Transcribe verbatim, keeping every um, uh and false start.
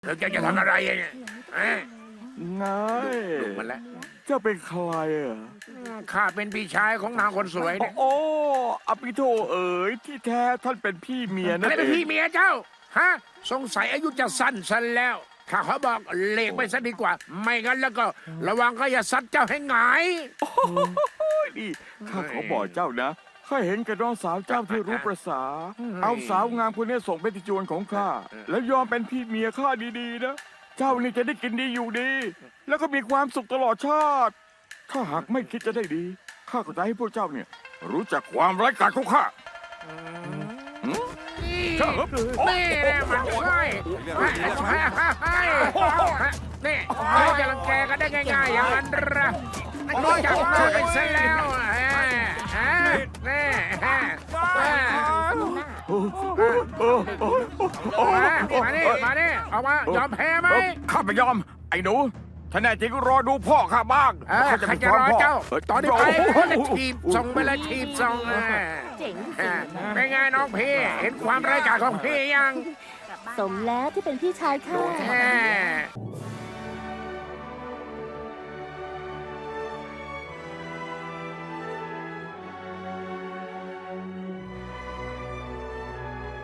เธอแกจะทำอะไรเนี่ยฮะนายดูมันแล้วเจ้าเป็นใครอ่ะข้าเป็นพี่ชายของนางคนสวยเนี่ยโอ้อภิโทเอ๋ยที่แท้ท่านเป็นพี่เมียอะนั่นไรเอเป็นงพี่เมียเจ้า ฮะ สงสัยอายุจะสั้นซะแล้ว ข้าขอบอกเลกไปซะดีกว่า ไม่งั้นแล้วก็ระวังก็อย่าซัดเจ้าให้หงายโอ้ยนี่ข้าขอบอกเจ้านะข้าเห็นกับน้องสาวเจ้าที่รู้ประษา เอาสาวงามคนนี้ส่งเป็นติจวนของข้าแล้วยอมเป็นพี่เมียข้าดีๆนะเจ้านี่จะได้กินดีอยู่ดี แล้วก็มีความสุขตลอดชาติ ถ้าหากไม่คิดจะได้ดีข้าก็จะให้พวกเจ้าเนี่ย รู้จักความไร้กาจของข้านี่นี่แหละมันใช่ใช่นี่เขาจะรังแกกันได้ง่ายๆอย่างนั้นเหรอรู้จักหน้าไปซะแล้วฮะฮะนี่ฮะมาดิมาดิออกมายอมแพ้ไหมข้าไม่ยอม ไอ้หนูถ้าแน่จริงก็รอดูพ่อข้าบ้างเออข้าจะรอเจ้า ตอนนี้ไปคนละทีบส่งไปเลยทีบส่งเจ๋งเป็นไงน้องพี่เห็นความไร้กาจของพี่ยังสมแล้วที่เป็นพี่ชายข้าแฮ่